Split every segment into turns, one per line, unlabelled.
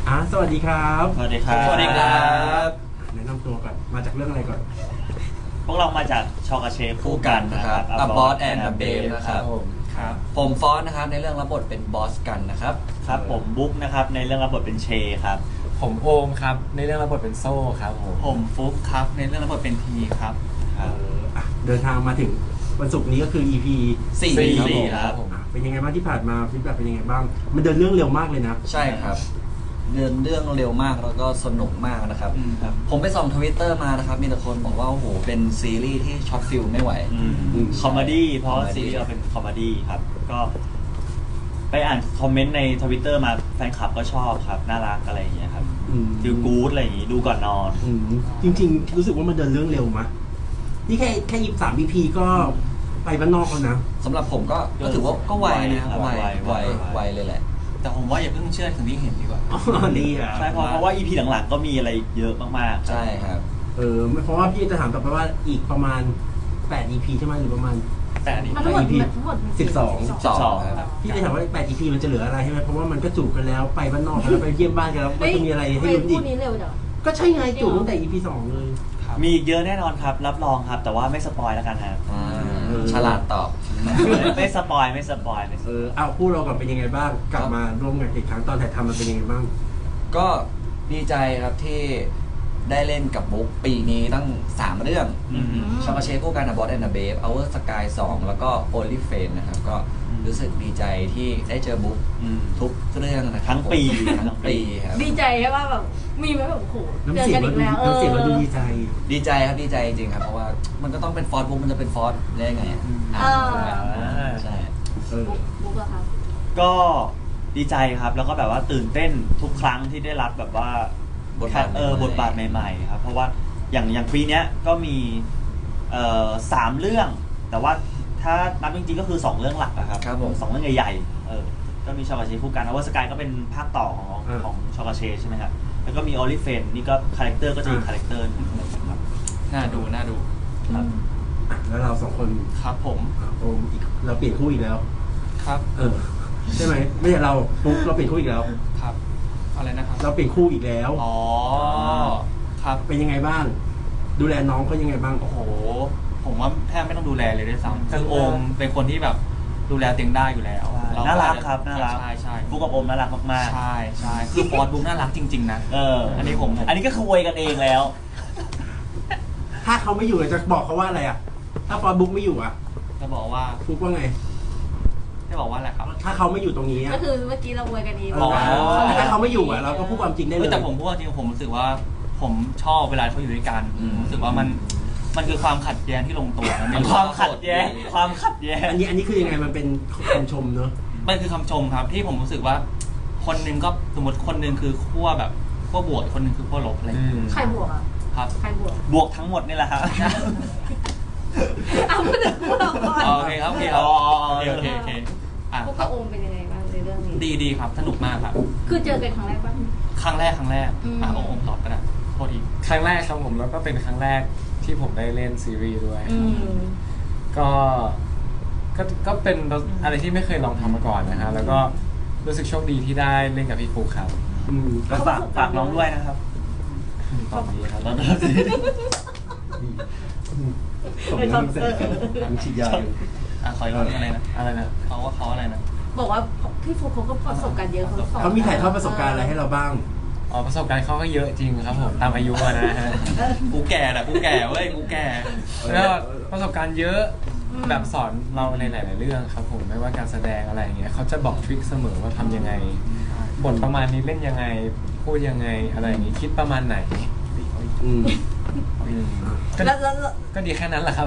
สวัสดีครับ
สวัสดีครับ
สวัสดีครับ
แนะนำตัวก่อนมาจากเรื่องอะไรก่อน
พวกเรามาจากชอกาเชฟคู่กันนะครับ
A Boss and a Babe นะครับ
ครับ
ผมฟอนนะครับในเรื่องรับบทเป็นบอสกันนะครับ
ครับผมบุ๊กนะครับในเรื่องรับบทเป็นเชครับ
ผมโอมครับในเรื่องรับบทเป็นโซ่ครับผม
ผมฟุ๊กครับในเรื่องรับบทเป็นทีครับ
เดินทางมาถึงวันศุกร์นี้ก็คือ EP
สี่
ครับผม
เป็นยังไงบ้างที่ผ่านมาฟีดแบ็กเป็นยังไงบ้าง มันเดินเรื่องเร็วมากเลยนะ
ใช่ครับเรื่องเร็วมากแล้วก็สนุกมากนะครับ
ครับ
ผมไปส่องทวิตเตอร์มานะครับมีแต่คนบอกว่าโอ้โหเป็นซีรีส์ที่ช็อตฟิลไม่ไหว
คอมเมดี้เพราะ
comedy
ซีรีส์เราเป็นคอมเมดี้ครับก็ไปอ่านคอมเมนต์ในทวิตเตอร์มาแฟนคลับก็ชอบครับน่ารักอะไรอย่างเงี้ยครับ
อืม
ดูกู๊ดอะไรอย่างงี้ดูก่อนนอน
จริงๆ รู้สึกว่ามันเดินเรื่องเร็วมะนี่แค่23 EP ก็ไปบ้านนอกแล้วนะ
สำหรับผมก็ถือว่าก็ไวนะครับ
ไว
ไวเลยแหละ
แต่ผมว่าอย่าเพิ่งเชื่อถึงที่เห็นดีกว่า
ดีอ่ะ
ใช่เพราะว่า EP หลังๆก็มีอะไรเยอะมากๆ
ใช่ครับ
เพราะว่าพี่จะถามต่อไปว่าอีกประมาณ8 EP ใช่ไหมหรือประมาณ
แต่อันนี้
มันทั้งหมด
EP
ทั้งหมด
12 ครับ
พี่จะถามว่า8 EP มันจะเหลืออะไรใช่ไหมเพราะว่ามันก็จูบกันแล้วไปบ้านนอกกันแล้วไปเยี่ยมบ้านกันแล้วมันจะมีอะไรให้ลุ้นอี
พู
ก
ดนี้เร็วจัง
ก็ใช่ไงจูบตั้งแต่ EP 2 เลย
มีอีกเยอะแน่นอนครับรับรองครับ แต่ว่าไม่สปอยแล้วกันครับ
ฉลาดตอบ
ไม่สปอยไม่สปอย
เอาคู่เราก่อนเป็นยังไงบ้าง กลับมาร่วมงานอีกครั้งตอนถ่ายทำมันเป็นยังไงบ้าง
ก็ดีใจครับที่ได้เล่นกับบุ๊กปีนี้ตั้ง 3 เรื่อง ชอกาเชฟคู่กันนะบอสแอนด์เบฟเอาเวอร์สกาย2แล้วก็โอลิเฟนนะครับก็รู้สึกดีใจที่ได้เจอบุ๊กทุกเรื่องนะครับ
ทั้งปี
ทั้งปีครับ
ดีใจใช่ป่ะแบบมีไหมแบบโอ้โห
น้ำ
เจอ
เสีย
กั
ง
น
เรา
อีก
ดู
แล้ว
น้ำเสียงเราดูดีใจ
ดีใจครับดีใจจริงๆครับเพราะว่ามันก็ต้องเป็นฟอร์สบุ๊กมันจะเป็นฟอร์สได้ไงอ่ะ ใช่
บุ๊กอะครับ
ก็ดีใจครับแล้วก็แบบว่าตื่นเต้นทุกครั้งที่ได้รับแบบว่า
บทบาทใหม่ๆ
บทบาทใหม่ๆครับเพราะว่าอย่างปีเนี้ยก็มี3 เรื่อง แต่ว่าถ้านับจริงๆก็คือ2 เรื่องหลักอะครับ
ครับผม
สองเรื่องใหญ่ๆก็มีชอกาเชคู่กันอวสกายก็เป็นภาคต่อของชอกาเชใช่ไหมครับแล้วก็มีออลิเฟนนี่ก็คาแรคเตอร์ก็จะอีกคาแรคเตอร์หนึงครับ
น่าดู
ครับ
แล้วเรา2 คน
ครับผม
โอมอีกเราเปลี่ยนคู่อีกแล้ว
ครับ
ใช่ไหมไม่ใช่เราปุ๊บเราเปลี่ยนคู่อีกแล้ว
ครับอะไรนะครับ
เราเปลี่ยนคู่อีกแล้ว
อ๋อครับ
เป็นยังไงบ้าง ดูแลน้องเขายังไงบ้าง
โอ้โหผมว่าแทบไม่ต้องดูแลเลยด้วยซ้ำคือโอมเป็นคนที่แบบดูแลเตียงได้อยู่แล้วเ
น่ารักครับน่ารัก
ใช่
ฟุกกับโอมน่ารักมาก
ใช่คือฟอร์ดบุ๊กน่ารักจริงๆนะ
ๆ
อันนี้ผม
อันนี้ก็คืออวยกันเองแล้ว
ถ้าเขาไม่อยู่จะบอกเขาว่าอะไรอ่ะ ถ้าฟอร์บุ๊กไม่อยู่อ่ะ
จะบอกว่า
ฟุกว่าไง
จะบอกว่าอะไรครับ
ถ้าเขาไม่อยู่ตรงนี้อ่ะ
ก็คือเมื่อกี้เราอวยกันเอง
อ๋อ
ถ้าเขาไม่อยู่อ่ะเราก็พูดความจริงได้เลย
แต่ผมพูดว่าจริงผมรู้สึกว่าผมชอบเวลาเขาอยู่ด้วยกันผมรู้สึกว่ามันคือความขัดแย้งที่ลงตัวนะ
ความขัดแย้งความขัดแย้ง
อันนี้คือยังไงมันเป็นคำชมเนอะ
มันคือคำชมครับที่ผมรู้สึกว่า คนหนึงก็สมมติคนหนึงคือขั้วแบบขั้วบวกคนหนึงคือขั้วลบอะไรอย่างเงี้ย
ใครบวกอะ
ครับ
ใครบวก
บวกทั้งหมดนี่แหละครับ
เอาพูดถึงพวกเราก่อน
โอเคครับโอเคครับโอเคอ่ะ
พวก
ครั
กั
บบ
โอมเป็นยังไงบ้างในเรื่องนี้
ดีครับสนุกมากครับ
คือเจอกันครั้งแรกป่ะ
ครั้งแรกโอมตอบก็ได้โทษที
ครั้งแรกครับผมแล้วก็เป็นครั้งแรกที่ผมได้เล่นซีรีส์ด้วย ก็เป็นอะไรที่ไม่เคยลองทำมาก่อนนะฮะแล้วก็รู้สึกโชคดีที่ได้เล่นกับพี่ฟุกครับ
ก็ฝากน้องด้วยนะครับ
ตอนนี้ครับ
ตอนนี้
ส่งเรื่องเสร็จแล้วฉีดยาอยู่
ขออีกรอบอะไรนะ
อะไรนะ
เขาอะไรนะ
บอกว่าพี่ฟุกเขาก็ประสบการณ์เยอะเขาสอน
เขามีถ่ายทอดประสบการณ์อะไรให้เราบ้าง
อ๋อประสบการณ์เขาก็เยอะจริงครับผมตามอายุอะนะฮะ
กูแก่เว้ยกูแก่
แล้วประสบการณ์เยอะแบบสอนเราในหลาย ๆ เรื่องครับผมไม่ว่าการแสดงอะไรอย่างเงี้ยเขาจะบอกทริคเสมอว่าทำยังไงบทประมาณนี้เล่นยังไงพูดยังไงอะไรอย่างงี้คิดประมาณไหน
อืม
ก็
แล้ว
ก็ดีแค่นั้นแหละครับ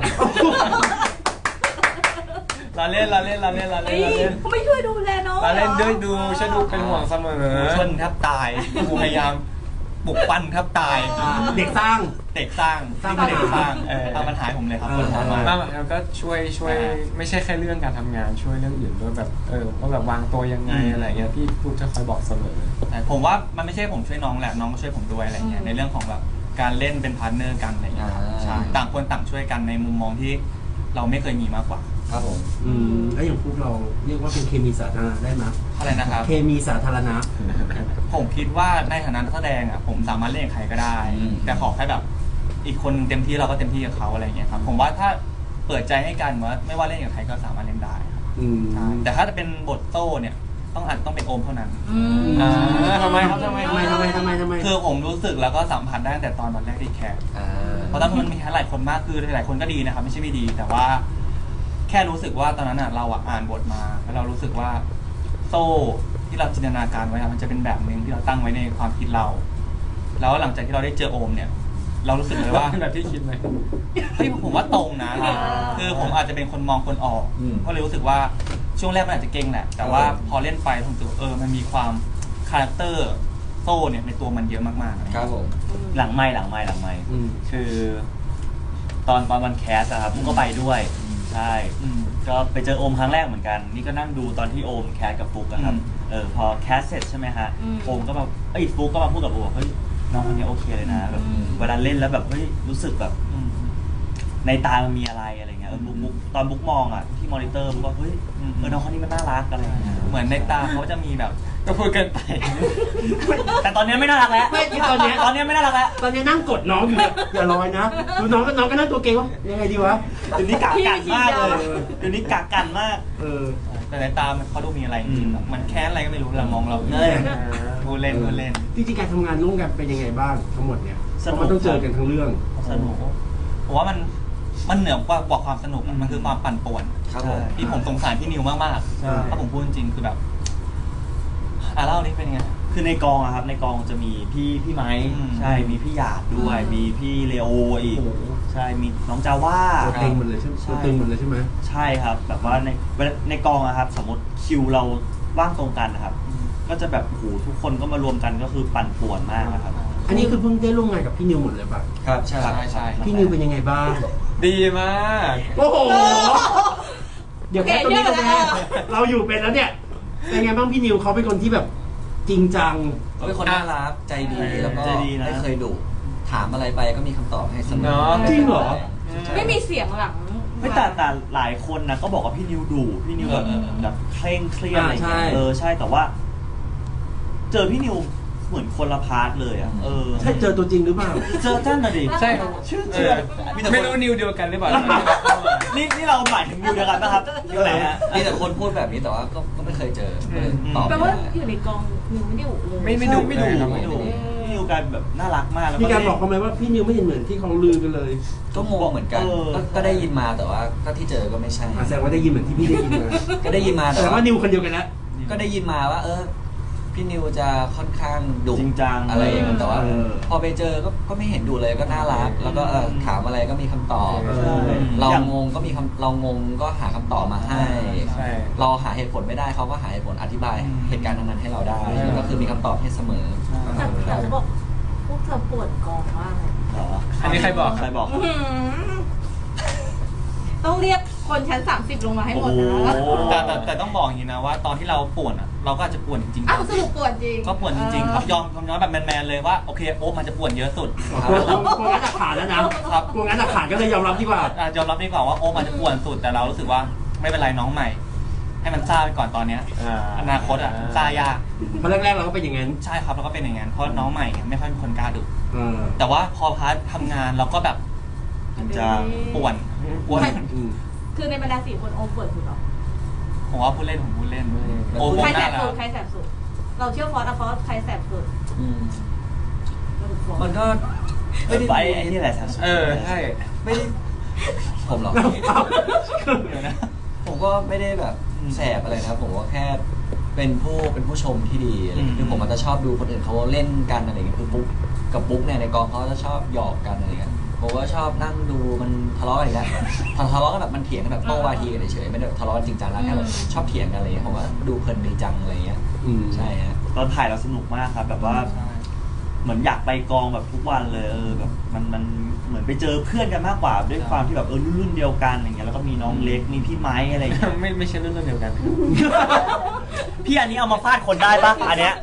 เราเล่น
เฮ้ยเขาไม่ช่วยดูแลน้อง
เราเล่นด้วยดู
หรอ
ช่วยดูเป็นห่วงเสมอ
ชนแทบตายกูพยายามปลุกปั้นแทบตาย
เด็กสร้าง
เด็กสร้าง
สร้าง
นี่คือเด็กสร้าง
เออ
ตามปัญหาให้ผมเลยครับ
เออ
คนทำมา
บ้างแล้วก็ช่วยไม่ใช่แค่เรื่องการทำงานช่วยเรื่องอื่นด้วยแบบว่าแบบวางตัวยังไงอะไรเงี้ยพี่ลูกจะคอยบอกเสมอ
แต่ผมว่ามันไม่ใช่ผมช่วยน้องแหละน้องก็ช่วยผมด้วยอะไรเงี้ยในเรื่องของแบบการเล่นเป็นพาร์ทเนอร์กันอะไรเงี้ยครับใช่ต่างคนต่างช่วยกันในมุมมองที่เราไม่เคยมีมากกว่า
ครับผม
แล้วอย่างพวกเราเรียกว่าเป็นเคมีสาธารณะได้ไหม
อะไรนะครับ
เคมีสาธารณะ
ผมคิดว่าในฐานะนักแสดงอ่ะผมสามารถเล่นกับใครก็ได้
อืม
แต่ขอแค่แบบอีกคนเต็มที่เราก็เต็มที่กับเขาอะไรเงี้ยครับผมว่าถ้าเปิดใจให้กันว่าไม่ว่าเล่นกับใครก็สามารถเล่นได้ครับ ใช่แต่ถ้าจะเป็นบทโต้เนี่ยต้องเป็นโอมเท่านั้น
ทำไมครับทำไม
คือผมรู้สึกแล้วก็สัมผัสได้ตั้งแต่ตอนวันแรกที่แคส
อ่า
เพราะตอนนั้นมันมีหลายคนมากคือหลายคนก็ดีนะครับไม่ใช่ไม่ดี แต่ว่าแค่รู้สึกว่าตอนนั้นเราอ่านบทมาแล้วเรารู้สึกว่าโซ่ที่เราจินตนาการไว้มันจะเป็นแบบนึงที่เราตั้งไว้ในความคิดเรา แล้วหลังจากที่เราได้เจอโอมเนี่ย เรารู้สึกเลยว่า
แบบที่คิดไหม
เฮ้ยผมว่าตรงนะคือผมอาจจะเป็นคนมองคนออก
อืม
ก็เลยรู้สึกว่าช่วงแรกมันอาจจะเก่งแหละ แต่ว่าพอเล่นไปผมรู้สึกว่ามันมีความคาแรคเตอร์โซ่เนี่ยในตัวมันเยอะมากๆอะไร
ค
เงี้ย
รับผม
หลังไม่คือตอนวันแคสอะครับผมก็ไปด้วยใช่ก็ไปเจอโอมครั้งแรกเหมือนกัน นี่ก็นั่งดูตอนที่โอมแคสกับฟุกอะครับพอแคสเสร็จใช่ไหมฮะโอมก็มาฟุกก็มาพูดกับโอมเฮ้ยน้องคนนี้โอเคเลยนะแบบเวลาเล่นแล้วแบบเฮ้ยรู้สึกแบบในตามันมีอะไรเงี้ยบุ๊กตอนบุ๊กมองอะที่มอนิเตอร์บุ๊กว่าเฮ้ยน้องคนนี้มันน่ารักอะไรเงี้ย
เหมือนในตาเขาจะมีแบบ
ก็พูดเกินไป
แต่ตอนนี้ไม่น่ารักแล้ว
ไม่ที่ตอนเนี้ย
ตอนนี้ไม่น่ารักแล้ว
ตอนนี้นั่งกดน้องอยู่เนี่ยอย่าลอยนะดูน้องก็นั่งตัวเก่งว่ายังไงดีวะ
เดี๋ยวนี้กักกันมากเลยเดี๋ยวนี้กักกันมาก
แต่ในตามันเขาดูมีอะไรจริงๆแบบมันแค้นอะไรก็ไม่รู้เรามองเรา
เออ
พูดเล่น
จริงๆการทำงานร่วมกันเป็นยังไงบ้างทั้งหมดเนี่ย
สนุก
มันต้องเจอกันทั้งเรื่อง
สนุก
ผมว่ามันเหนือกว่าความสนุกอะมันคือความปั่นป่วน
ครับผม
ที่ผมสงสารพี่นิวมาก
ใช่
ๆถ้าผมพูดจริงๆคือแบบเล่านี่เป็นยังไง
คือในกองอะครับในกองจะมีพี่ไม้ ใช่มีพี่หยาดด้วย มีพี่เลโออีก
โอ้โห
ใช่มีน้องจาว่า
ตัวเต็งหมดเลยใช่ไหมตัวตึงหมดเลยใช่ไหม
ใช่ครับ แบบว่าในกองอะครับ สมมติคิวเราว่างตรงกันนะครับ ก็จะแบบโอ้โหทุกคนก็มารวมกันก็คือปั่นป่วนมากนะครับ
อันนี้คือเพิ่งได้ร่วมงานกับพี่นิวหมดเลยป่ะ
ครับใช่
ใช่
พี่นิวเป็นยังไงบ้าง
ดีมาก
โอ้โห เดี๋ยวแค่ตรงนี้ก็แน่เราอยู่เป็นแล้วเนี่ย เป็นไงบ้างพี่นิวเขาเป็นคนที่แบบจริงจัง
เขาเป็นคนน่ารักใจดีแล้วก็
ใจดีนะ
ไม่เคยดุถามอะไรไปก็มีคำตอบให้เสมอ
เนาะ
จริงเหรอ
ไม่มีเสียงหลัง
ไม่แต่หลายคนนะก็บอกว่าพี่นิวดุพี่นิวแบบเคร่งเครียดอะไรอย่างเงี้ย
ใช่
ใช่แต่ว่า เจอพี่นิวเหมือนคนละพาร์ทเลยอ่ะ
ใช่เจอตัวจริงหรือเปล่า
เจอท่านน่ะดิ
ใช่ครับ
ชื่อ
เอ
เชื่
อ
อ
ไม่รู้นิวเดียวกันหรือเปล่า
นี่เราหมายถึงนิวเดียวกันนะครับนิวไหนฮะ
มีแต่คนพูดแบบนี้แต่ว่าก็ไม่เคยเจอเลยตอบ
แปล
ไม่
ว่า
ได้
อยู่ในกองนิวไม่ได้ดุเลย
ไม่ดุ
ไม่ดุ
เลยครับ
ไม่ดุพี่นิวกันแบบน่ารักมากแล้ว
มีการบอกเขาไหมว่าพี่นิวไม่เห็นเหมือนที่เขาลือกันเลย
ก็งงเหมือนกันก็ได้ยินมาแต่ว่าก็ที่เจอก็ไม่ใช่
แสดงว่าได้ยินเหมือนที่พี่ได้ยินมา
ก็ได้ยินมา
แส
แต่
ดง
ว่า
ว่านิวคนเดียวกันแล้ว
ก็ได้ยินมาว่าพี่นิวจะค่อนข้างดุ
จริงจัง
อะไรอย่างเงี้ยแต่ว่า
เออ
พอไปเจอก็ไม่เห็นดุเลยก็น่ารัก แล้วก็ถามอะไรก็มีคำตอบ
ใช่
เรางงก็มีเรางงก็หาคำตอบมาให้
ใช่
เราหาเหตุผลไม่ได้เขาก็หาเหตุผลอธิบายเหตุการณ์นั้นๆให้เราได้ก็คือมีคำตอบให้เสมอ
แต่เขาบอกพวกเธอปวดกองมากเลย
เหรอ
อันนี้ใครบอก
ใครบอก
อื้อหือต้องเรียกคนชั้น 30 ลงมาให้หมดนะ
โอ้โห
แต่ต้องบอกอย่างนี้นะว่าตอนที่เราป่วนเราก็อาจจะป่วนจริงๆ
อ้าวสรุปปวดจริง
ก็ป่วนจริงๆครับยอมแบบแมนๆเลยว่าโอเคโอ้มันจะป่วนเยอะสุด
กลัวงัดหลักฐานแล้วนะครับ กลัวงัดหลักฐานก็เลยยอมรับดีกว่า
ยอมรับดีกว่าว่าโอ้มันจะป่วนสุดแต่เรารู้สึกว่าไม่เป็นไรน้องใหม่ ให้มันซ่าไปก่อนตอนเนี้ยอนาคตซ่ายาก
เพราะแรกๆเราก็เป็นอย่างนั้น
ใช่ครับแล้วก็เป็นอย่างนั้นเพราะน้องใหม่ไม่ค่อยมีคนกล้าดุ
เออ
แต่ว่าพอพาร์ททำงานเราก็แบบ
จะ
ป่วน
คือในบรรดา4 คนโอมปวดสุดเหรอ
ผมว่าพูดเล่นโอ้ผม
ใครแส
น่า
บ
รั
สุ
ก
ดใครแสบสุด เราเชื่อฟอสอะฟอสใครแสบสุด
มันก็
ไปไอ้นี่แหละสันสุด
ใช่
ไม่ได้ผมเหรอ ผมก็ไม่ได้แบบแสบอะไรนะครับผมก็แค่เป็นผู้ชมที่ดีอะไรอย่างเงี้ยคือผมอาจจะชอบดูคนอื่นเขาเล่นกันอะไรอย่างเงี้ยคือปุ๊กกับปุ๊กเนี่ยในกองเขาจะชอบหยอกกันอะไรอย่างเงี้ยผมก็ชอบนั่งดูมันทะเลาะกันอีกแล้วทะเลาะกันแบบมันเถียงกันแบบโต้วาทีกันเฉยๆไม่ได้ทะเลาะกันจริงจังแล้วแค่แบบชอบเถียงกันอะไรอย่างเงี้ยผมว่าดูเพลินดีจังอะไรอย่างเงี้ยใช่ฮะ
ตอนถ่ายเราสนุกมากครับ แบบว่าเหมือนอยากไปกองแบบทุกวันเลยแบบมันเหมือนไปเจอเพื่อนกันมากกว่าด้วยความที่แบบรุ่นเดียวกันอย่างเงี้ยแล้วก็มีน้องเล็กมีพี่ไม้อะไรอย่างเงี้ย
ไม่ใช่เรื่องเดียวกัน
พี่อันนี้เอามาฟาดคนได้ปะอันเนี้ย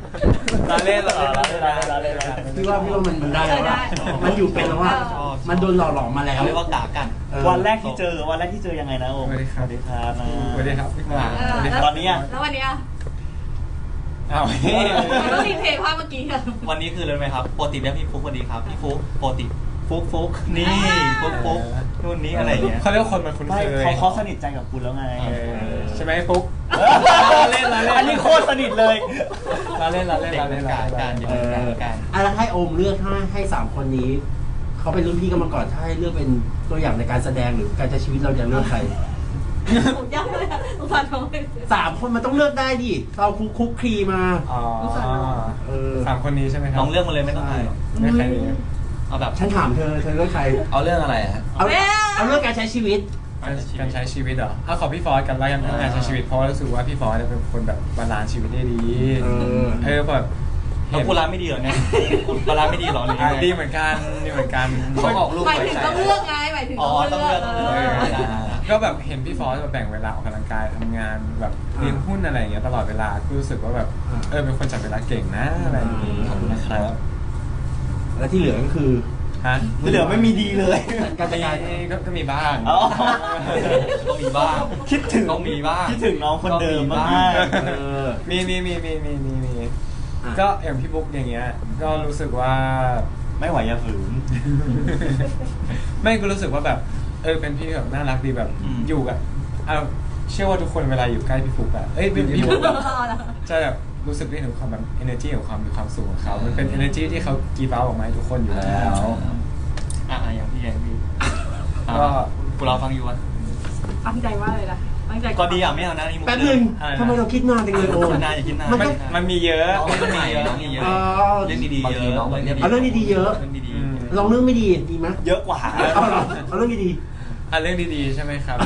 เราเล่นเราเล่น
พี่ว่ามันได้แล้วอะมันอยู่เป็นแล้วว่ามันโดนหล่อหลอมมาแล้ว
เขาเรียกว่ากากัน
วันแรกที่เจอยังไงนะโอม
สวัสดีครับ
สวัสดีครับนะ
สวัสดีครับพี่หมา
ตอนนี้อะ
แล้ววันนี้อะ
เอา
ต้องรีเพย์ภาพเมื่อกี้อะ
วันนี้คือเลยไหมครับปกติเรียกพี่ฟุกสวัสดีครับพี่ฟุกปกติฟุกนี่ฟุกนู่นนี้อะไรอย่างเงี้ย
เขาเรียกว่าคนมันคุ้น
ไม่
เคย
เขาสนิทใจกับคุณแล้วไง
ใช่ไหมปุ๊ก เล่น
อันนี้โคตรสนิทเลย
เราเล่น
เด็กการอยู่การ
แล้วให้โอมเลือกให้สามคนนี้เขาเป็นรุ่นพี่กันมาก่อนถ้าให้เลือกเป็นตัวอย่างในการแสดงหรือการใช้ชีวิตเราจะเลือกใคร
ผมยากเลยอะสงสารน้องเลย
สามคนมันต้องเลือกได้ดิเราคุกคลีมา
อ๋อ
เออ
สามคนนี้ใช่ไหมครั
น้องเลือกมาเลยไม่ต้องให้
ไม่ใครดี
เอาแบบ
ฉันถามเธอเลือกใคร
เอาเรื่องอะไรฮะ
เอาเรื่องการใช้ชีวิต
การใช้ชีวิตเหรอเอาขอพี่ฟอสกันแล้วกันการใช้ชีวิตเพราะรู้สึกว่าพี่ฟอสเนี่ยเป็นคนแบบบาลานซ์ชีวิตได้ดี แบบ
เราพูดร้านไม่ดีเหรอเนี่ยคุณปลาร้าไม่ดีเหรอหรือ
ดีเหมือนกัน
เขาออกลูก
หมาย
ไว้
ถึง
ใส่
ต้องเลือกไงหมายถึง
อ๋อ
ต้อง
ต้อง
เลื
เลื
อ
อก กต้อง
เอ
เลือก
อ
ก็แบบเห็นพี่ฟอสแบบแบ่งเวลาออกกำลังกายทำงานแบบเลี้ยงหุ้นอะไรอย่างเงี้ยตลอดเวลาก็รู้สึกว่าแบบเป็นคนจัดเวลาเก่งนะอะไรอย่างงี้
ขอบคุณนะครับ
และที่เหลือก็คือ
ฮะ
ที่เหลือไม่มีดีเลย
การจัดการ
ก็มีบ้าง
อ๋อ
ต้องมีบ้าง
คิดถึง
ต้องมีบ้าง
คิดถึงน้องคนเดิมมาก
เออ
มีก็อย่างพี่บุ๊กอย่างเงี้ยก็รู้สึกว่า
ไม่ไหวอย่าฝืน
ไม่ก็รู้สึกว่าแบบเป็นพี่แบบน่ารักดีแบบอยู่กับเชื่อว่าทุกคนเวลาอยู่ใกล้พี่ฟุกอะพี่ฟุกจะแบบรู้สึกได้ถึงความแบบ energy ของความมีความสุขของเขามันเป็น energy ที่เขากีบเอาออกมาให้ทุกคนอยู่แล้ว
อย่างพี่
ก็
กูเราฟังอยู่อ่ะ
ตั้งใจว่าเลยนะตั้งใจ
ก็ดีอ่ะไม่เอานะนี่มุก
แป๊บนึงทำไมเราคิดนานจังเลยโอม
นานอย่าคิดนาน
มันมีเยอะ
ต้องมีเยอะต้องมีเยอะเรื่องดีๆเยอะ
เอาเรื่องดีๆเยอะ
เรื่องดี
ลองเรื่องไม่ดีดีไหม
เยอะกว่า
เอาเหรอเอาเรื่องดี
เรื่องดีๆใช่ไหมครับ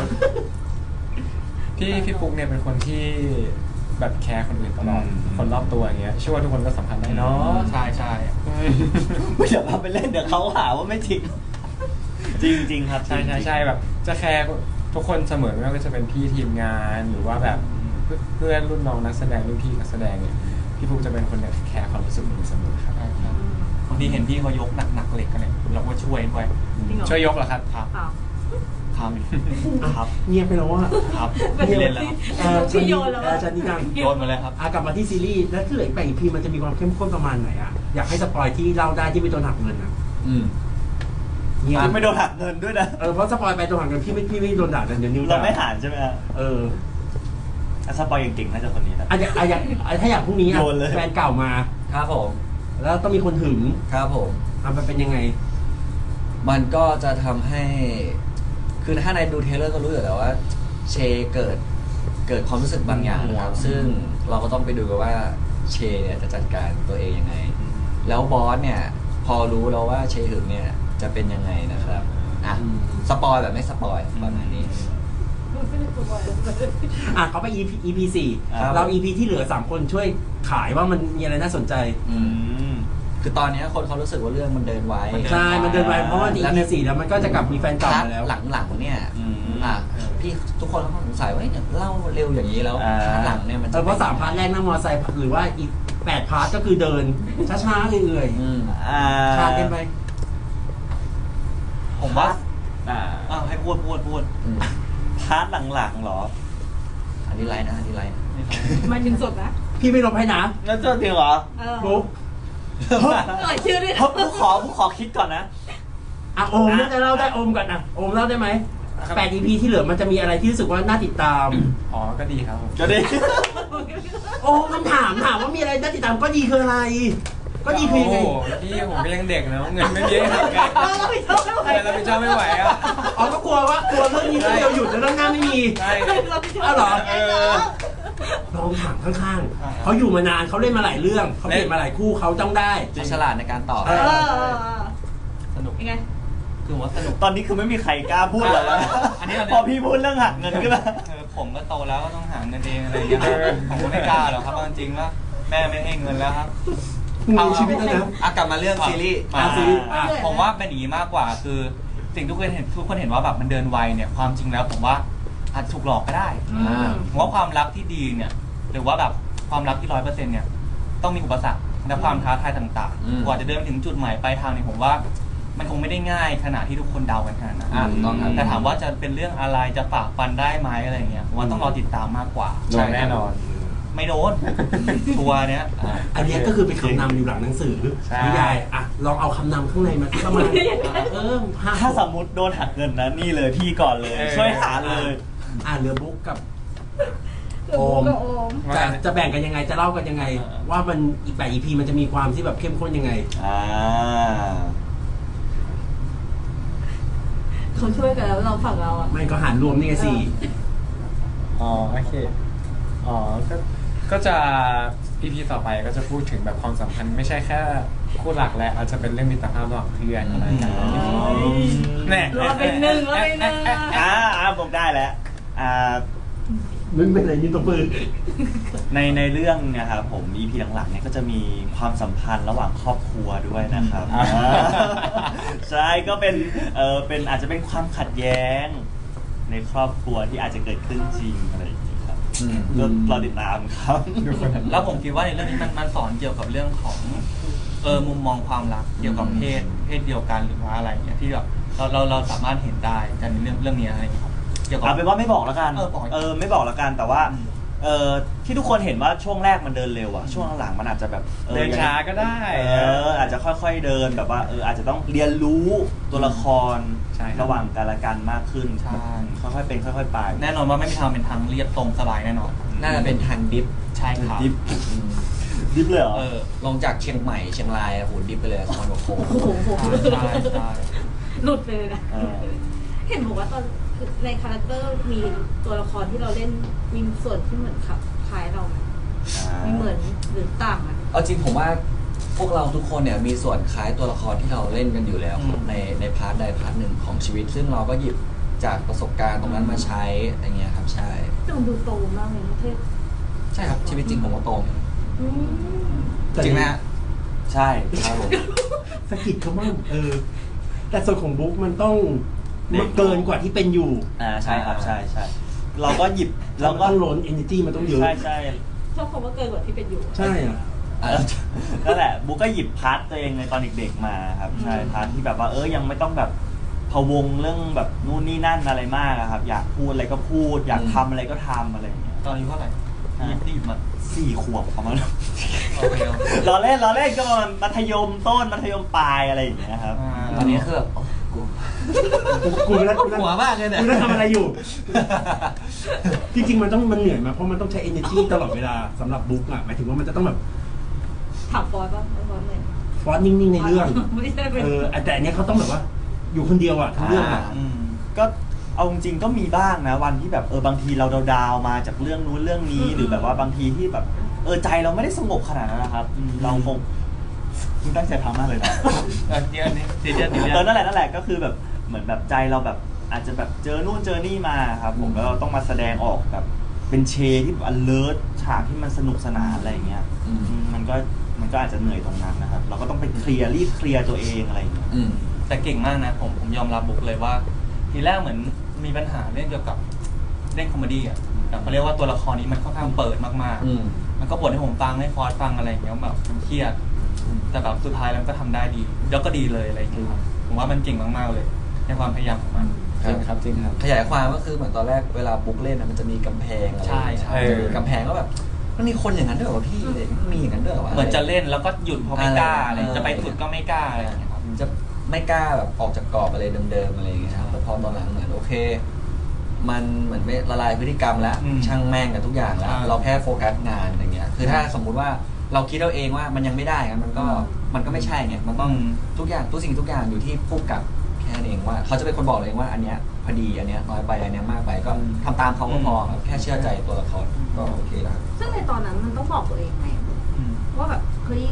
พี่ฟุกเนี่ยเป็นคนที่แบบแคร์คนอื่นตลอดคนรอบตัวอย่างเงี้ยเชื่อว่าทุกคนก็สัมพันธ์ได้เนาะ
ใช่ใช่
ไม่เดี๋ยวเราไปเล่นเดี๋ยวเขาหาว่าไม่จริง จริงครับ
ใช่แบบจะแคร์ทุกคนเสมอไม่ว่าจะเป็นพี่ทีมงานหรือว่าแบบเพื่อนรุ่นน้องนักแสดงรุ่นพี่นักแสดงเนี่ยพี่ฟุกจะเป็นคนแคร์ความรู้สึกคนอื่นเสมอครับ
บางทีเห็นพี่เขายกหนักเหล็กกันเลยเราก็ช่วยด้วย
จริงเหรอ
ช่วยยกเหรอครับ
ครับ
เปล่า
ครับ
ๆเงียบไปแล้วว่า
ครับไม่เล่นแล้ว
พี่โยนแล้ว
ชันนี่ดัง
โยนมาเลยครับ
กลับมาที่ซีรีส์แล้วที่เหลืออีก8 EP มันจะมีความเข้มข้นประมาณไหนอ่ะอยากให้สปอยที่เล่าได้ที่ไม่โดนหักเงินอ่ะเงียบ
ไม่โดนหักเงินด้วยนะ
เพราะสปอยไปโดนหักเงินพี่ไม่โดนด่ากันเดี๋ยวนิ้ว
เรา
ด่า
ไม่หารใช่ไหมฮะสปอยเก่งๆน่าจะคนนี้นะ
ถ้าอย่างพรุ่งนี้
โยนเลย
แฟนเก่ามา
ครับผม
แล้วต้องมีคนหึง
ครับผม
มันเป็นยังไง
มันก็จะทำให้ คือถ้าในดูเทรลเลอร์ก็รู้อยู่แล้วว่า เชเกิดความรู้สึกบางอย่างนะครับ ซึ่งเราก็ต้องไปดูกันว่าเชเนี่ยจะจัดการตัวเองยังไง แล้วบอสเนี่ย พอรู้แล้วว่าเชหึงเนี่ยจะเป็นยังไงนะครับสปอยแบบไม่สปอยประมาณนี้
เขาไป EP
ครับ
4เรา EP ที่เหลือ3คนช่วยขายว่ามันมีอะไรน่าสนใจ
คือตอนนี้คนเขารู้สึกว่าเรื่องมันเดินไว
ใช่ มันเดินไปเพราะว่า EP 4แล้วมันก็จะกลับมีแฟนเก่ามาแล้ว
หลังๆเนี่ยพี่ทุกคนเขาสงสัยว่าเนี่ยเล่าเร็วอย่างนี้แล้วหลังเนี่ยมันจะ
เพราะ3 พาร์ทแรกนั่งมอเตอร์ไซค์หรือว่าอีก8 พาร์ทก็คือเดิน ช้าๆเอื่อยๆคลานกันไป
ผมว่าให้พูด
พาร์ทหลังๆเหรอ
อันนี้ไลน์นะ
มาถึงสุดนะ
พี่ไม่ลบให้นะ
งั้นเจอจริงเหรอ
บุ๊ก
เอ่ยชื่อด้วย
ผู้ขอคิดก่อนนะ
โอมน่าจะเล่าได้โอมก่อนโอมเล่าได้ไหม8 EP ที่เหลือมันจะมีอะไรที่รู้สึกว่าน่าติดตาม
ก็ดีครับผม
ก็ดี
โอ้มันถามว่ามีอะไรน่าติดตามก็ดีคืออะไร ก็ดีคือยังไง
พี่ผมก็ยังเด็กนะเงินไม่เยอะครับ
เราผิดชอบไม่ไหว
เราไปชอบไม่ไหวอ่ะ
ก็กลัวเรื่องนี้เรื่องเดียวหยุดแล้วเรื่องหน้าไม่มี
ใช่
เราผิดชอบ
อ้าวเหรอ
ไงน้อง
ลองถามข้างๆเขาอยู่มานานเขาเล่นมาหลายเรื่องเขาเปลี่ยนมาหลายคู่เขาต้องได้
เขาฉลาดในการตอบ
สนุก
ยังไง
คือว่าสนุก
ตอนนี้คือไม่มีใครกล้าพูดเลยนะ
อันนี้
พอพี่พูดเรื่องหักเงินขึ้นมา
ผมก็โตแล้วก็ต้องหาเงินเองอะไรอย่างเงี้ยผมก็ไม่กล้าหรอกครับจริงๆแล้วแม่ไม่ให้เงินแล้วครับ
มีชีวิตแล้วนะ
กลับมาเรื่องซีรีส์
ซีรีส์
ผมว่าเป็นอย่างนี้มากกว่าคือสิ่งทุกคนเห็นว่าแบบมันเดินไวเนี่ยความจริงแล้วผมว่าอาจถูกหลอกก็ได้ผมว่าความรักที่ดีเนี่ยหรือว่าแบบความรักที่100%เนี่ยต้องมีอุปสรรคและความท้าทายต่าง
อืม
ๆกว่าจะเดินไปถึงจุดหมายปลายทางเนี่ยผมว่ามันคงไม่ได้ง่ายขนาดที่ทุกคนเดากันขนาดนั้น
ถูกต้องครับ
แต่ถามว่าจะเป็นเรื่องอะไรจะฝ่าฟันได้ไหมอะไรเงี้ยผมว่าต้องรอติดตามมากกว่า
โดนแน่นอน
ไม่โดน ตัวเนี้ย
อันเนี้ยก็คือเป็นคำนำอยู่หลังหนังสือ
ใช่
นิยายอ่ะลองเอาคำนำข้างในมาที่ประมาณห้า
ถ้าสมมติโดนหักเงินนะนี่เลยพี่ก่อนเลย ช่วยหาเลย
เรือบุ๊กกับ
หรือบุ๊กกับโอม
จะแบ่งกันยังไงจะเล่ากันยังไง ว่ามันอีก8 EP มันจะมีความที่แบบเข้มข้นยังไง
อ่า
เขาช่วยกันแล้วเราฝั่งเราอ่ะ
ไม่ก็หารรวมนี่ไงสี่
อ๋อโอเค อ๋อ ก็จะ EP ต่อไปก็จะพูดถึงแบบความสัมพันธ์ไม่ใช่แค่คู่หลักและอาจจะเป็นเรื่องมิตรภาพระหว่างเพื่อนอะไรกันแน่
เราเป็นหนึ่งเราเป็นหนึ่ง
ผมได้แล้ว
มึงเป็นอะไรนี่ตัวปืน
ในเรื่องนะครับผม EP หลังๆเนี่ยก็จะมีความสัมพันธ์ระหว่างครอบครัวด้วยนะครับใช่ก็เป็นอาจจะเป็นความขัดแย้ง ในครอบครัวที่อาจจะเกิดขึ้นจริงอะไรอย่างนี้ครับก็รอติดตามครับ
แล้วผมคิดว่าในเรื่องนี้มันสอนเกี่ยวกับเรื่องของมุมมองความรักเกี่ยวกับเพศเดียวกันหรือว่าอะไรเงี้ยที่แบบเราสามารถเห็นได้กันในเรื่องนี้อะไรอย่างเงี้ยครับเกี่ยวกับ
เอาเป็นว่าไม่บอกแล้วกัน
บอก
ไม่บอกแล้วกันแต่ว่าที่ทุกคนเห็นว่าช่วงแรกมันเดินเร็วอะช่วงหลังๆมันอาจจะแบบ
เดินช้าก็ได้
อาจจะค่อยๆเดินแบบว่าอาจจะต้องเรียนรู้ตัวละคร
ใช่ครับ
ระหว่างกันและกันมากขึ้น
ใช่
ค่อยๆเป็นค่อยๆไป
แน่นอนว่าไม่มีทางเป็นทางเรียบตรงสบายแน่นอน
น่าจะเป็นทางดิฟ
ใช่ครับ
ดิฟเลยเหรอ
ลงจากเชียงใหม่เชียงรายโหดิฟไปเลย2,000 กว่าโค้ง
โอ้โห
ใช่ใช่
หลุดไปเลยนะ
เออ
เห็นบอกว่าตอนในคาแรคเตอร์มีตัวละครที่เราเล่นมีส่วนที่เหมือนขับคล้ายเราไหมมีเหมือนหรือต่างกัน
เอาจริงผมว่าพวกเราทุกคนเนี่ยมีส่วนคล้ายตัวละครที่เราเล่นกันอยู่แล้วครับในพาร์ทใดพาร์ทหนึ่งของชีวิต ซึ่งเราก็หยิบจากประสบการณ์ตรงนั้นมาใช้อะไรเงี้ยครับใช่
แต่มันดูโตมากเลยนะเทพ
ใช่ครับชีวิตจริงผมก็โตเหมือนกัน
อืม
จริงไหมฮะ
ใช่ครับผม
สะกิดเขาบ้างแต่ส่วนของบุ๊กมันต้องเกินกว่าที่เป็นอยู่
ใช่ครับใช่ใช่เราก็หยิบ
เรา
เรา
ก็
ก็
ต้องล้น energy มันต้องเยอะ
ใช่ใช่
ชอบคำว่าเกินกว่าที่เป็นอยู่
ใช่อ่ะ
นั่นแหละบุ๊กก็หยิบพาร์ทตัวเองในตอนเด็กๆมาครับใช่พาร์ทที่แบบว่ายังไม่ต้องแบบพะวงเรื่องแบบนู่นนี่นั่นอะไรมากอะครับ อยากพูดอะไรก็พูด อยากทำอะไรก็ทำอะไรอย่างเงี้ย
ตอนนี้เท่าไหร่หยิบมา
4 ขวบประมาณ
โอเค
เราเล่นก็ประมาณมัธยมต้นมัธยมปลายอะไรอย่างเงี้ยครับ
ตอนนี้คือแบบโอ้กู
กูแล้ว
หัวมากเลยเนี่ย
กูแล้วทำอะไรอยู่ จริงๆมันเหนื่อยมาเพราะมันต้องใช้ energy ตลอดเวลาสำหรับบุ๊กอ่ะหมายถึงว่ามันจะต้องแบบ
ถามฟอยป่ะฟอยเลย
ฟอนต์นิ่งๆในเรื่อง
ไม่ใช่เป็น
แต่อันเนี้ยเขาต้องแบบว่า อยู่คนเดียวอ่ะทั้งเรื่องอ่ะ
ก็เอาจริงๆก็มีบ้างนะวันที่แบบบางทีเราดาวๆมาจากเรื่องนู้นเรื่องนี้หรือแบบว่าบางทีที่แบบใจเราไม่ได้สงบขนาดนั้นนะครับเราคงคุณตั้งใจทำมากเลยนะ
เดี๋ยวนี้เดี๋ยว
นั่นแหละก็คือแบบเหมือนแบบใจเราแบบอาจจะแบบเจอนู่นเจอนี่มาครับผมแล้วเราต้องมาแสดงออกแบบเป็นเชที่แบบ alert ฉากที่มันสนุกสนานอะไรอย่างเงี้ยมันก็อาจจะเหนื่อยตรงนั้นนะครับเราก็ต้องไปรีบเคลียร์ตัวเองอะไรอย่างเงี้ย
แต่เก่งมากนะผมยอมรับบุ๊กเลยว่า ทีแรกเหมือนมีปัญหาเรื่องเกี่ยวกับเล่นคอมเมดี้อ่ะแต่เขาเรียกว่าตัวละครนี้มันค่อนข้างเปิดมากๆมันก็บ่นให้ผมฟังให้ฟอสฟังอะไรอย่างเงี้ยแบบมันเครียดแต่แบบสุดท้ายแล้วก็ทำได้ดีแล้วก็ดีเลยอะไรอย่างเงี้ยครับผมว่ามันเก่งมากๆเลยในความพยายามของมัน
จริงครับจริงครับ
ขยายความก็คือเหมือนตอนแรกเวลาบุ๊กเล่นมันจะมีกำแพงอะไร
ใช่ใช่
จะมีกำแพงก็แบบมันมีคนอย่างนั้นด้วยเหรอพี่มันมีอย่างนั้นด้วยเหรอวะ
เหมือนจะเล่นแล้วก็หยุดเพราะไม่กล้าอะไรจะไปสุดก็ไม่กล้าอะไรอย่างเงี้ยครับ
จะไม่กล้าแบบออกจากกรอบอะไรเดิมๆอะไรอย่างเงี้ยครับแต่พอตอนหลังเหมือนโอเค มันเหมือนไม่ละลายพฤติกรรมแล้วช่างแม่งกับทุกอย่างแล้ว เราแค่โฟกัสงานอย่างเงี้ยคือถ้าสมมุติว่าเราคิดเอาเองว่ามันยังไม่ได้ครับมันก็ไม่ใช่ไงมันต้องทุกอย่างทุกสิ่งทุกอย่างอยู่ที่ผู้กำกับแค่นั้นเองว่าเขาจะเป็นคนบอกเลยว่าอันเนี้ยพอดีอันเนี้ยน้อยไปอันเนี้ยมากไปก็ทำตามเขาก็พอครับแค่เชื่อใจตัวละครก็โอเคแล้ว
ซึ่งในตอนนั้นมันต้องบอกตัวเองไงว่าแบบเฮ้ย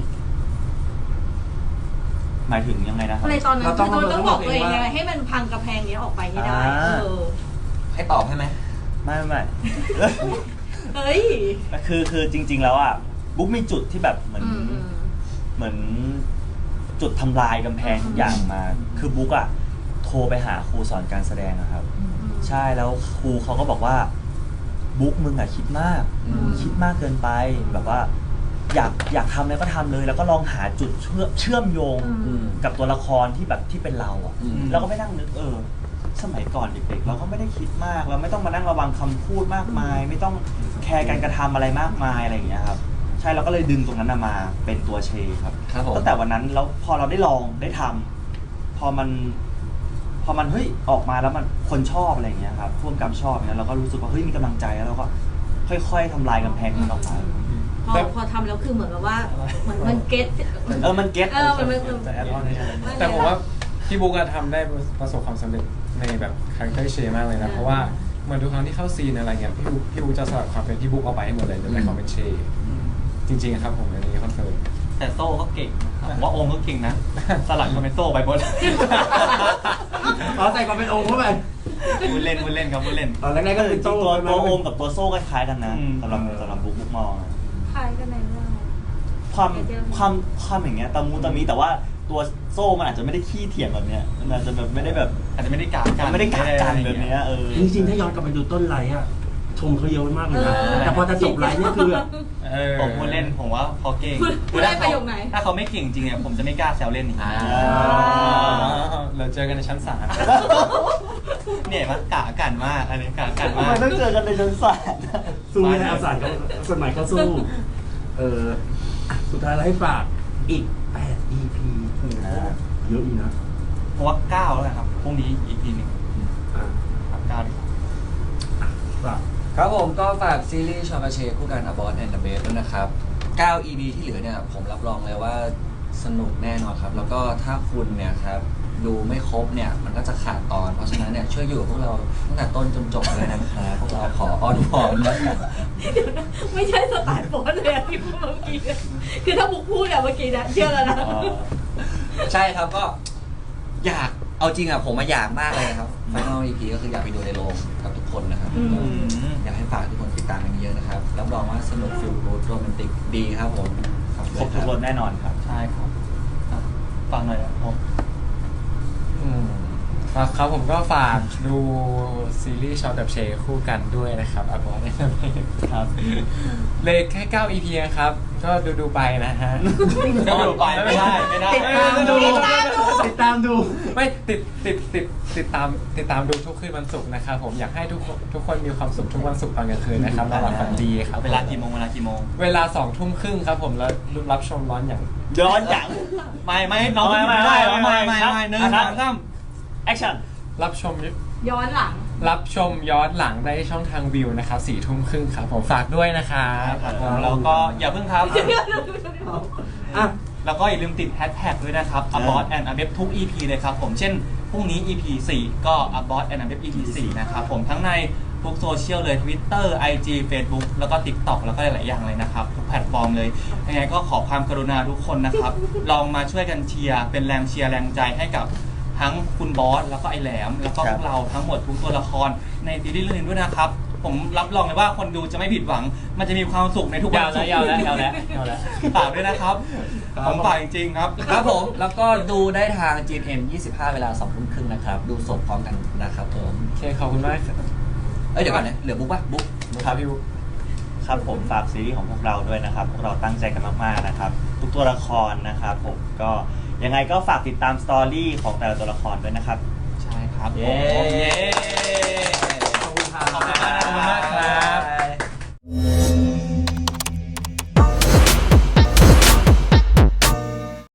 หมายถึงยังไงนะครับ
ในตอนนั้น
เราต้อง
คือต้องบอกตัวเอง
ว่า
ไงให้มันพังกระแพงนี้ออกไปให้ได้
ให้ตอบให้ไหม
ไม่
เฮ้ย
คือจริง ๆ แล้วอ่ะบุ๊กมีจุดที่แบบเหมือนจุดทำลายกำแพงทุกอย่างมา คือบุ๊กอ่ะโทรไปหาครูสอนการแสดงอะครับ ใช่แล้วครูเขาก็บอกว่าบุ๊กมึงอ่ะคิดมากเกินไปแบบว่าอยากทำอะไรก็ทำเลย แล้วก็ลองหาจุดเชื่อมโยง
อืม
กับตัวละครที่แบบที่เป็นเราอ่ะ
อืม
แล้วก็ไม่นั่งนึกสมัยก่อนเด็กๆเราก็ไม่ได้คิดมากเราไม่ต้องมานั่งระวังคำพูดมากมาย ไม่ต้องแคร์การกระทำอะไรมากมายอะไรอย่างเงี้ยครับใช่เราก็เลยดึงตรงนั้นมาเป็นตัวเชครับ
ครับผม
ตั้งแต่วันนั้นแล้วพอเราได้ลองได้ทำพอมันเฮ้ยออกมาแล้วมันคนชอบอะไรอย่างเงี้ยครับร่วมกับชอบเนี่ยเราก็รู้สึกว่าเฮ้ยมีกำลังใจแล้วเราก็ค่อยๆทำลายกำแพงนั้นออกมา
พอทำแล้วคือเหมือนแบบว่าเหมือนมันเก็ต
มันเก็ต
มัน
แต่แอดออนแต่ผมว่าพี่บุ๊กอะทำได้ประสบความสำเร็จในแบบคาแรคเตอร์เชมากเลยนะเพราะว่าเหมือนทุกครั้งที่เข้าซีนอะไรเงี้ยพี่บุ๊กจะสลัดความเป็นพี่บุ๊กเอาไปให้หมดเลยในความเป็นเชจริงๆครับผมอันนี้คอนเฟิร์ม
แต่โซ่ก็เก่งนะครับผมว่าโอมก็เก่งนะ สลัดคอมเมนโซ่ไปบน
เอาใส่ความเป็นองค์เข้าไป
พูดเล่นครับพูดเล่น
ตอนแรกๆก็คือ
จริงๆตัว
ใช่ไห
โอมกับตัวโซ่คล้ายๆกันนะ
อืม
สำหรับบุ๊กมองอะ
คล้ายกันในเรื่อง
ความอย่างเงี้ยตะมูตะมีแต่ว่าตัวโซ่มันอาจจะไม่ได้ขี้เถียงแบบเนี้ยมันอาจจะแบบไม่ได้แบบ
อาจจะไม่ได้กากัน
มันไม่ได้กัดกันแบบเนี้ย
จริงๆถ้าย้อนกลับไปดูต้นไลฟ์อะชมเขาเยอะมากเลยนะแต่พอจะจบไลฟ์เนี่ยคือแบบ
ผมพูดเล่นผมว่าพอเก่ง
พูดได้ประโยคไหน
ถ้าเขาไม่เก่งจริงเนี่ยผมจะไม่กล้าแซวเล่นอีก
เราเจอกันในชั้นศาล
เนี่ยมันกะกันมากอันนี้กะกัน
ทำ
มา
ไม
ก
ต้องเจอกันในชั้นศาล
สู้ไม่ได้เอาสารเขาสมัยเขาสู้สุดท้ายแล้วให้ฝากอีก8 EP เยอะอีกนะ
เพราะว่า9แล้วนะครับพรุ่งนี้อีกทีหนึ่ง
อ่ะ
ครับ9ดีกว่า
ฝาก
ครับผมก็ฝากซีรีส์ชอปาเชคู่กัน A Boss and a Babe ด้วยนะครับ 9 EP ที่เหลือเนี่ยผมรับรองเลยว่าสนุกแน่นอนครับ แล้วก็ถ้าคุณเนี่ยครับดูไม่ครบเนี่ยมันก็จะขาดตอน เพราะฉะนั้นเนี่ยช่วยอยู่กับพวกเราตั้งแต่ต้นจนจบเลยนะครับพวกเราขออ้อนวอนนะครับ
ไม่ใช่สไตล์โป๊เลยอะที่พูดเมื่อกี้เนี่ยคือถ้าบุ๊กพูดอะเมื่อกี้นะเชื่อแล้วนะ
ใช่ครับก็อยากเอาจริงอ่ะผมมาอยากมากเลยนะครับ Final EP ก็คืออยากไปดูในโรงกับทุกคนนะครับ
อืม
อยากให้ฝากทุกคนติดตามกันเยอะนะครับ รับรองว่าสนุกฟิลกูดโรแมนติกดีครับผม
ครบทุกรสแน่นอนครับ
ใช่ครับอ่ะฟังหน่อยนะผม
ครับผมก็ฝากดูซีรีส์ชอตกับเชคู่กันด้วยนะครับอาบอสเนี่ย
ครับ
เลยแค่ 9 EP นะครับ ก็ดูไปนะฮะ
ก็ดูไปไม่ได้
ติดตามดูติดตามดู
ไม่ติดตามดูทุกคืนวันศุกร์นะครับผมอยากให้ทุกคนมีความสุขทุกวันศุกร์ตอนกลางคืนนะครับนอนหลับฝันดีครับ
เวลากี่โมง
เวลา 2 ทุ่มครึ่งครับผมแล้วรับชมร้อนอย่าง
ย้อนหลัง
ไม่น้องไม่ได้หนึ่งสองสาม
แอคชั่น
รับชม
ย้อนหลัง
ย้อนหลังได้ช่องทางวิวนะครับ 4 ทุ่มครึ่งครับผมฝากด้วยนะครับ
แล้วก็อย่าเพิ่งครับ
อ่ะ
แล้วก็อย่าลืมติดแฮชแท็กด้วยนะครับ A Boss and a Babe ทุก EP เลยครับผม เช่น พรุ่งนี้ EP 4 ก็ A Boss and a Babe EP 4 นะครับผมทั้งในทุกโซเชียลเลย Twitter IG Facebook แล้วก็ TikTok แล้วก็หลายๆอย่างเลยนะครับ ทุกแพลตฟอร์มเลย ยังไงก็ขอความกรุณาทุกคนนะครับ ลองมาช่วยกันเชียร์เป็นแรงเชียร์แรงใจให้กับทั้งคุณบอสแล้วก็ไอแหลม แล้วก็พวกเราทั้งหมดทุกตัวละครในซีรีส์เรื่องนี้ด้วยนะครับ ผมรับรองเลยว่าคนดูจะไม่ผิดหวัง มันจะมีความสุขในทุกวันศุกร์
ยาวแล้ว
ฝากด้วยนะครับ ผมฝากจริงๆครับ
ครับผม แล้วก็ดูได้ทาง GMM 25 เวลา 2 ทุ่มครึ่งนะครับ ดูสดพร้อมกันนะครับผม
โอเคขอบคุณมากครับ
เดี๋ยวก่อนนะเหลือบุ๊กป่ะบุ๊ก
ครับพี่บุ๊คครับผมฝากซีรีส์ของพวกเราด้วยนะครับ พวกเราตั้งใจกันมากๆนะครับ ทุกตัวละครนะครับผมก็ยังไงก็ฝากติดตามสตอรี่ของแต่ละตัวละครด้วยนะครับ
ใช่ครับผม
เย้
เย้
ขอบคุณครับ
ขอบคุณมากนะครับ
ขอบคุณมากครับ